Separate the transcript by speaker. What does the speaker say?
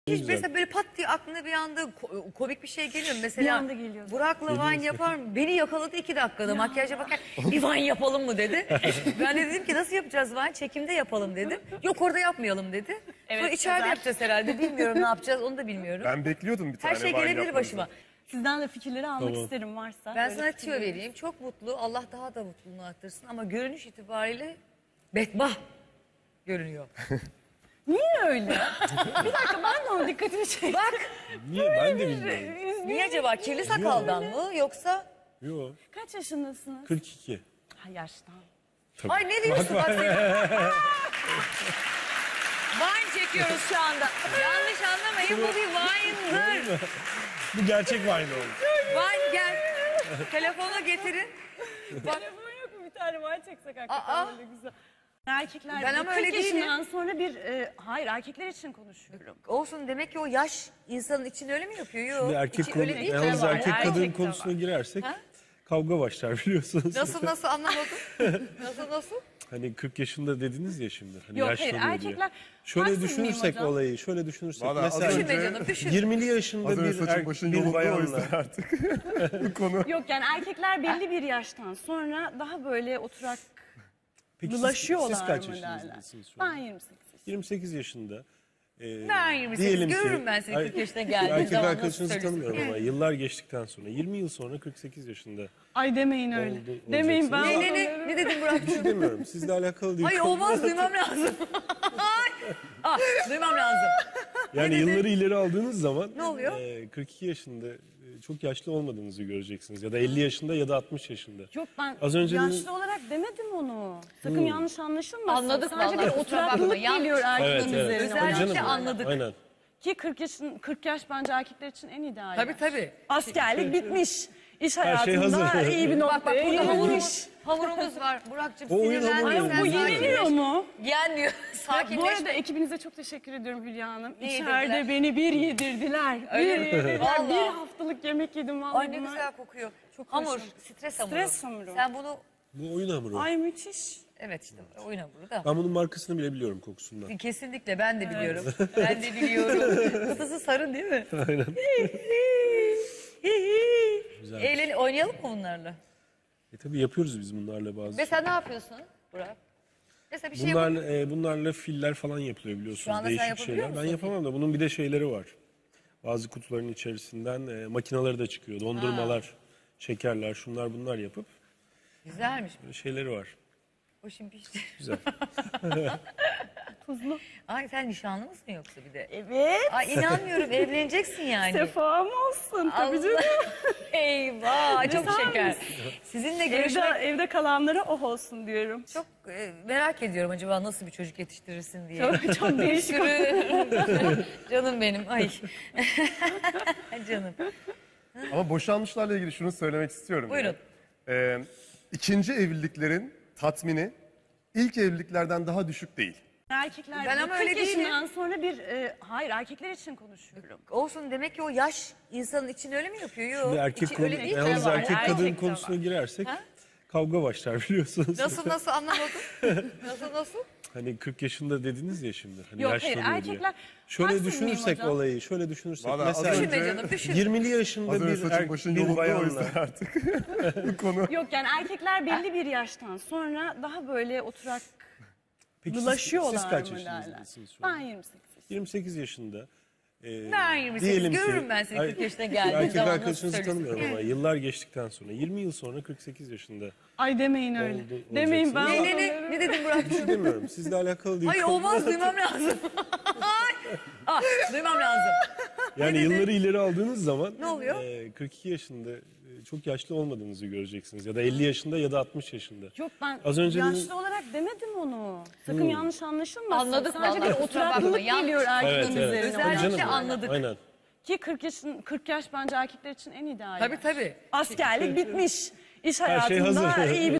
Speaker 1: Hiç mesela böyle pat diye aklına bir anda komik bir şey geliyor mu? Mesela
Speaker 2: Bir anda geliyor.
Speaker 1: Burak'la Vine yapar mı? Beni yakaladı 2 dakikada makyaja bakar. Bir Vine yapalım mı dedi. Ben de dedim ki nasıl yapacağız Vine? Çekimde yapalım dedim. Yok orada yapmayalım dedi.
Speaker 2: Evet,
Speaker 1: Sonra içeride
Speaker 2: güzel.
Speaker 1: yapacağız herhalde. Bilmiyorum ne yapacağız onu da bilmiyorum.
Speaker 3: Ben bekliyordum bir tane.
Speaker 1: Her şey
Speaker 3: Vine
Speaker 1: gelebilir
Speaker 3: yapmanızı.
Speaker 1: başıma.
Speaker 2: Sizden de fikirleri almak isterim varsa.
Speaker 1: Ben
Speaker 2: Böyle
Speaker 1: sana tüyo
Speaker 2: fikirleri.
Speaker 1: vereyim. Çok mutlu. Allah daha da mutluluğunu arttırsın. Ama görünüş itibariyle bedbah görünüyor.
Speaker 2: Niye öyle? Bir dakika ben de onun dikkatini çektim.
Speaker 1: Bak
Speaker 4: Niye? Ben de bilmiyorum.
Speaker 1: niye acaba? Kirli sakaldan mı yoksa?
Speaker 4: Yok.
Speaker 2: Kaç yaşındasınız?
Speaker 4: 42.
Speaker 2: Ha, yaştan.
Speaker 1: Ay ne diyorsun bak seni? Vine çekiyoruz şu anda. Yanlış anlamayın bu bir Vine'dır.
Speaker 4: Bu gerçek Vine oldu.
Speaker 1: Vine gel. Telefonu getirin. Bak
Speaker 2: Telefon yok mu? Bir tane var çeksek hakikaten
Speaker 1: Aa.
Speaker 2: böyle güzel. Erkekler
Speaker 1: Ben ama öyle
Speaker 2: 40 yaşından sonra bir... hayır erkekler için konuşuyorum.
Speaker 1: olsun demek ki o yaş insanın için öyle mi yapıyor? Yok.
Speaker 4: Şimdi erkek
Speaker 1: içi öyle değil mi?
Speaker 4: yalnız
Speaker 1: Var,
Speaker 4: erkek kadın
Speaker 1: gerçekten
Speaker 4: konusuna
Speaker 1: var.
Speaker 4: girersek
Speaker 1: Ha?
Speaker 4: kavga başlar biliyorsunuz.
Speaker 1: Nasıl anlamadım? Nasıl?
Speaker 4: Hani 40 yaşında dediniz ya şimdi. Hani
Speaker 2: Yok, hayır,
Speaker 4: yaşlanıyor diye.
Speaker 2: erkekler-
Speaker 4: Şöyle
Speaker 2: Haksız mıyım
Speaker 4: düşünürsek
Speaker 2: hocam?
Speaker 4: olayı, şöyle düşünürsek.
Speaker 3: Vallahi az
Speaker 4: mesela
Speaker 1: Düşünme canım düşün.
Speaker 4: 20'li yaşında
Speaker 3: Az önce
Speaker 4: bir,
Speaker 3: saçın başın
Speaker 4: bir
Speaker 3: yolunda o
Speaker 4: bayanla.
Speaker 3: yüzden artık. Bu konu.
Speaker 2: Yok yani erkekler belli bir yaştan sonra daha böyle oturak
Speaker 4: Peki
Speaker 2: bulaşıyorlar
Speaker 4: siz kaç
Speaker 2: mı derler?
Speaker 4: yaşınızdasınız şu an?
Speaker 2: Ben 28 yaşındayım.
Speaker 4: 28 yaşında.
Speaker 1: Ben 28 görürüm ben seni 40 yaşına geldiğin
Speaker 4: Erkek
Speaker 1: zaman.
Speaker 4: arkadaşınızı
Speaker 1: nasıl
Speaker 4: tanımıyorum
Speaker 1: söylüyorsun?
Speaker 4: ama yıllar geçtikten sonra 20 yıl sonra 48 yaşında.
Speaker 2: Ay demeyin öyle.
Speaker 4: Oldu-
Speaker 2: Demeyin ben.
Speaker 4: olacaksınız.
Speaker 1: Ne dedin Burak?
Speaker 4: Bir şey demiyorum. Sizle alakalı değil.
Speaker 1: Hayır olmaz duymam lazım. Duymam lazım.
Speaker 4: Yani yılları ileri aldığınız zaman
Speaker 1: Ne oluyor?
Speaker 4: 42 yaşında çok yaşlı olmadığınızı göreceksiniz. Ya da 50 yaşında ya da 60 yaşında.
Speaker 2: Yok ben
Speaker 4: Az önce
Speaker 2: yaşlı
Speaker 4: dedim-
Speaker 2: olarak demedim onu. Sakın yanlış anlaşılmasın.
Speaker 1: Anladık
Speaker 2: Sadece
Speaker 1: vallahi,
Speaker 2: bir
Speaker 1: kusura bakma.
Speaker 2: oturaklılık
Speaker 1: Yanlış-
Speaker 2: geliyor erkeğin üzerine.
Speaker 1: Özellikle
Speaker 4: Tabii canım.
Speaker 1: anladık.
Speaker 4: Aynen.
Speaker 2: Ki 40 yaş bence erkekler için en ideal.
Speaker 1: Tabii.
Speaker 2: Askerlik bitmiş. İş
Speaker 4: şey
Speaker 2: hayatında
Speaker 4: hazır.
Speaker 2: iyi bir
Speaker 1: Bak
Speaker 2: noktaya
Speaker 1: burada
Speaker 2: hamurmuş.
Speaker 1: hamurumuz var. Burak'cığım
Speaker 4: O oyun hamuru
Speaker 1: sinirlenme.
Speaker 4: yok.
Speaker 2: Bu yeniliyor mu?
Speaker 1: Yenmiyor.
Speaker 2: Bu
Speaker 1: Sakinleş.
Speaker 2: arada ekibinize çok teşekkür ediyorum Hülya Hanım.
Speaker 1: Ne
Speaker 2: İçeride
Speaker 1: yedirdiler?
Speaker 2: beni bir yedirdiler.
Speaker 1: Öyle
Speaker 2: Bir
Speaker 1: mi?
Speaker 2: yedirdiler.
Speaker 1: Vallahi.
Speaker 2: Bir haftalık yemek yedim vallahi.
Speaker 1: Ay ne
Speaker 2: bunlar.
Speaker 1: güzel kokuyor.
Speaker 2: Çok
Speaker 1: Hamur,
Speaker 2: hoş.
Speaker 1: stres hamuru.
Speaker 2: Stres hamuru.
Speaker 1: Sen bunu,
Speaker 4: Bu oyun hamuru.
Speaker 2: Ay müthiş.
Speaker 1: evet işte oyun hamuru da.
Speaker 4: Ben bunun markasını bile biliyorum kokusundan.
Speaker 1: Kesinlikle ben de biliyorum. Ben de biliyorum. Kutusu sarı değil mi?
Speaker 4: Aynen. Güzel.
Speaker 1: Oynayalım mı bunlarla?
Speaker 4: Tabii yapıyoruz biz bunlarla bazı.
Speaker 1: Mesela ne yapıyorsun Burak? Mesela bir şey yapalım.
Speaker 4: Bunlarla filler falan yapılıyor
Speaker 1: Şu
Speaker 4: biliyorsunuz.
Speaker 1: anda sen
Speaker 4: Değişik
Speaker 1: yapabiliyor
Speaker 4: şeyler. Ben
Speaker 1: musun?
Speaker 4: yapamam da bunun bir de şeyleri var. Bazı kutuların içerisinden makineleri de çıkıyor. Dondurmalar, şekerler, şunlar bunlar yapıp
Speaker 1: Güzelmiş.
Speaker 4: böyle şeyleri var.
Speaker 1: O şimdi pişti.
Speaker 4: Güzel.
Speaker 2: Tuzlu.
Speaker 1: Ay sen nişanlı mısın yoksa bir de?
Speaker 2: Evet.
Speaker 1: Ay inanmıyorum evleneceksin yani.
Speaker 2: Sefam olsun tabii
Speaker 1: Allah.
Speaker 2: canım.
Speaker 1: Eyvah çok
Speaker 2: Güzel
Speaker 1: şeker.
Speaker 2: misin?
Speaker 1: Sizinle görüşmek
Speaker 2: Evde kalanlara oh olsun diyorum.
Speaker 1: çok merak ediyorum acaba nasıl bir çocuk yetiştirirsin diye.
Speaker 2: Çok değişik.
Speaker 1: Canım benim ay. Canım.
Speaker 3: Ama boşanmışlarla ilgili şunu söylemek istiyorum.
Speaker 1: Buyurun.
Speaker 3: İkinci evliliklerin tatmini ilk evliliklerden daha düşük değil.
Speaker 2: Erkekler
Speaker 1: Ben ama öyle
Speaker 2: 40
Speaker 1: değilim.
Speaker 2: yaşından sonra bir... hayır erkekler için konuşuyorum.
Speaker 1: Olsun demek ki o yaş insanın için öyle mi yapıyor? Yok.
Speaker 4: Şimdi erkek
Speaker 1: içi öyle değil mi?
Speaker 4: yalnız
Speaker 2: var,
Speaker 4: erkek
Speaker 2: erkek
Speaker 4: kadın
Speaker 2: de
Speaker 4: konusuna
Speaker 2: var.
Speaker 4: girersek
Speaker 1: Ha?
Speaker 4: kavga başlar biliyorsunuz.
Speaker 1: Nasıl anlamadım? Nasıl?
Speaker 4: Hani 40 yaşında dediniz ya şimdi. Hani
Speaker 2: Yok, hayır,
Speaker 4: yaşlanıyor diye.
Speaker 2: erkekler-
Speaker 4: Şöyle
Speaker 2: Haksız mıyım
Speaker 4: düşünürsek
Speaker 2: hocam?
Speaker 4: olayı, şöyle düşünürsek.
Speaker 3: Vallahi az
Speaker 4: mesela
Speaker 3: önce-
Speaker 1: Düşünme canım düşün.
Speaker 4: 20'li yaşında
Speaker 3: Az önce
Speaker 4: bir,
Speaker 3: saçın başın
Speaker 4: bir
Speaker 3: yolunda o
Speaker 4: bayanla.
Speaker 3: yüzden artık. Bu konu.
Speaker 2: Yok yani erkekler belli bir yaştan sonra daha böyle oturak
Speaker 4: Peki
Speaker 2: bulaşıyorlar
Speaker 4: siz kaç
Speaker 2: mı derler?
Speaker 4: yaşınızdasınız şu an?
Speaker 2: Ben 28 yaşındayım.
Speaker 4: 28 yaşında.
Speaker 1: Ben 28 görürüm ben seni 40 yaşına geldiğin
Speaker 4: Erkek
Speaker 1: zaman. nasıl
Speaker 4: arkadaşınızı
Speaker 1: söylüyorsun?
Speaker 4: tanımıyorum ama yıllar geçtikten sonra 20 yıl sonra 48 yaşında.
Speaker 2: Ay demeyin öyle.
Speaker 4: Oldu-
Speaker 2: Demeyin ben.
Speaker 4: olacaksınız.
Speaker 1: Ne dedin Burak?
Speaker 4: Bir şey demiyorum. Sizle alakalı değil.
Speaker 1: Hayır olmaz duymam lazım. Duymam lazım.
Speaker 4: Yani yılları ileri aldığınız zaman
Speaker 1: Ne oluyor?
Speaker 4: 42 yaşında çok yaşlı olmadığınızı göreceksiniz. Ya da 50 yaşında ya da 60 yaşında.
Speaker 2: Yok ben
Speaker 4: Az önce
Speaker 2: yaşlı
Speaker 4: dedim-
Speaker 2: olarak demedim onu. Sakın yanlış anlaşılmasın.
Speaker 1: Anladık
Speaker 2: Sadece
Speaker 1: vallahi,
Speaker 2: bir
Speaker 1: kusura bakma.
Speaker 2: oturaklılık
Speaker 1: Yanlış.
Speaker 2: geliyor erkeğin üzerine.
Speaker 1: Özellikle
Speaker 4: Tabii canım.
Speaker 1: anladık.
Speaker 4: Aynen.
Speaker 2: Ki 40 yaş bence erkekler için en ideal.
Speaker 1: Tabii.
Speaker 2: Askerlik bitmiş. İş hayatında
Speaker 4: hazır.
Speaker 2: iyi bir